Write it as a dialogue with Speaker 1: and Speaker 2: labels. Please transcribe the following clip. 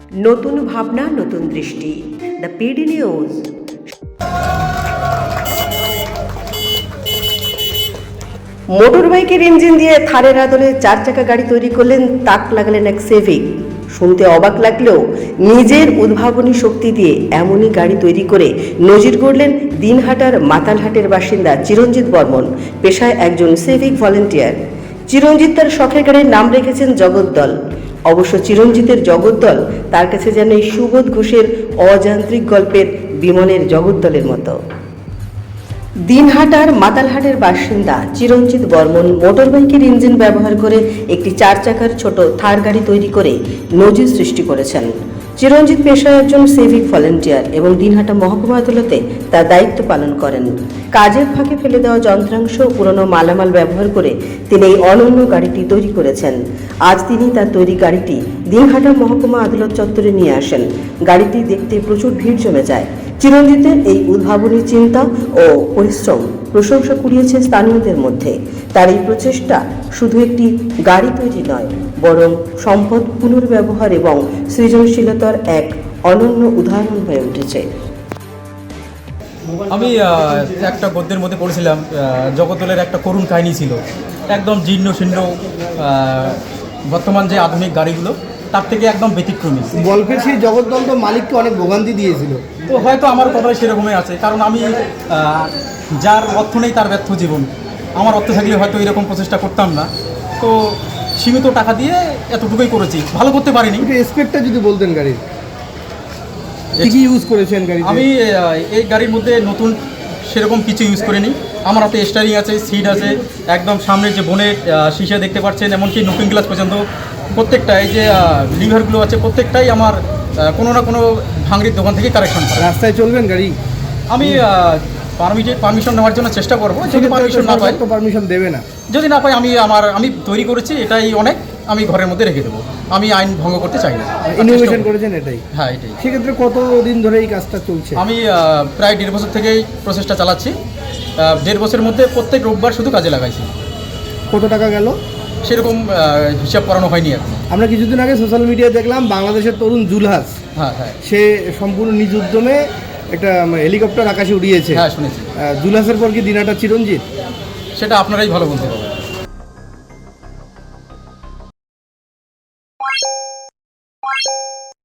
Speaker 1: নতুন ভাবনা, নতুন দৃষ্টি। The PD news. মোটরবাইকের ইঞ্জিন দিয়ে থারের আদলে 4 চাকা গাড়ি তৈরি করলেন, তাক লাগালেন এক সেভিক। শুনতে অবাক লাগলেও নিজের উদ্ভাবনী শক্তি দিয়ে এমনই গাড়ি তৈরি করে নজির গড়লেন দিনহাটার মাতালহাটের বাসিন্দা চিরঞ্জিত বর্মন, পেশায় একজন সিভিক ভলেন্টিয়ার। চিরঞ্জিত তার শখের গাড়ির নাম রেখেছেন জগদ্দল। অবশ্য চিরঞ্জিতের জগদ্দল তার কাছে যেন এই সুবোধ ঘোষের অযান্ত্রিক গল্পের বিমলের জগদ্দলের মতো। দিনহাটার মাতালহাটের বাসিন্দা চিরঞ্জিত বর্মন মোটরবাইকের ইঞ্জিন ব্যবহার করে একটি 4 চাকার ছোট থার গাড়ি তৈরি করে নজির সৃষ্টি করেছেন। চিরঞ্জিত পেশায় একজন সিভিক ভলেন্টিয়ার এবং দিনহাটা মহকুমা আদালতে তার দায়িত্ব পালন করেন। কাজের ফাঁকে ফেলে দেওয়া যন্ত্রাংশ, পুরনো মালামাল ব্যবহার করে তিনি এই অনন্য গাড়িটি তৈরি করেছেন। আজ তিনি তার তৈরি গাড়িটি দিনহাটা মহকুমা আদালত চত্বরে নিয়ে আসেন। গাড়িটি দেখতে প্রচুর ভিড় জমে যায়। চিরঞ্জিতের এই উদ্ভাবনী চিন্তা ও পরিশ্রম প্রশংসা কুড়িয়েছে স্থানীয়দের মধ্যে। তার এই প্রচেষ্টা শুধু একটি গাড়ি তৈরি নয়, বরং সম্পদ পুনর্ব্যবহার এবং সৃজনশীলতার এক অনন্য উদাহরণ হয়ে উঠেছে।
Speaker 2: আমি একটা গদ্যের মধ্যে পড়েছিলাম, জগদ্দলের একটা করুণ কাহিনী ছিল। একদম জীর্ণ শীর্ণ বর্তমান যে আধুনিক গাড়িগুলো তার থেকে একদম ব্যতিক্রমী।
Speaker 3: গল্পের সেই জগদ্দল তো মালিককে অনেক ভোগান্তি দিয়েছিল।
Speaker 2: তো হয়তো আমার কথাই সেরকমই আছে, কারণ আমি যার অর্থ নেই তার ব্যর্থ জীবন। আমার অর্থ থাকলে হয়তো এরকম প্রচেষ্টা করতাম না। তো সীমিত টাকা দিয়ে এতটুকুই করেছি, ভালো করতে পারিনি।
Speaker 3: এসপেক্টটা যদি বলতেন গাড়ির কি ইউজ করেছেন গাড়ি?
Speaker 2: আমি এই গাড়ির মধ্যে নতুন সেরকম কিছু ইউজ করিনি। আমার হাতে স্টারিং আছে, সিট আছে, একদম সামনের যে বোনের শিশা দেখতে পাচ্ছেন, এমনকি লুকিং গ্লাস পর্যন্ত প্রত্যেকটা, এই যে লিভারগুলো আছে প্রত্যেকটাই আমার কোনো না কোনো ভাঙড়ির দোকান থেকে কালেকশন করা।
Speaker 3: রাস্তায় চলবেন গাড়ি?
Speaker 2: আমি পারমিশন নেওয়ার জন্য চেষ্টা করবো। যদি পারমিশন না পাই,
Speaker 3: তো পারমিশন দেবে না।
Speaker 2: যদি না পাই, আমি তৈরি করেছি, এটাই অনেক, আমি ঘরের মধ্যে রেখে দেবো। আমি আইন ভঙ্গ করতে চাই না।
Speaker 3: ইনোভেশন করেছেন এটাই?
Speaker 2: হ্যাঁ, এটাই।
Speaker 3: সেক্ষেত্রে কতদিন ধরে এই কাজটা চলছে?
Speaker 2: আমি প্রায় 1.5 বছর থেকেই প্রসেসটা চালাচ্ছি। 1.5 বছরের মধ্যে প্রত্যেক রোববার শুধু কাজে লাগাইছি।
Speaker 3: কত টাকা গেল
Speaker 2: সেরকম হিসাব করানো হয়নি এখন।
Speaker 3: আমরা কিছুদিন আগে সোশ্যাল মিডিয়ায় দেখলাম বাংলাদেশের তরুণ জুলহাস,
Speaker 2: হ্যাঁ হ্যাঁ,
Speaker 3: সে সম্পূর্ণ নিজ উদ্যমে একটা হেলিকপ্টার আকাশে উড়িয়েছে।
Speaker 2: হ্যাঁ, শুনেছি।
Speaker 3: জুলহাসের পর কি দিনহাটা চিরঞ্জিত?
Speaker 2: সেটা আপনারাই ভালো বলতে পারবেন।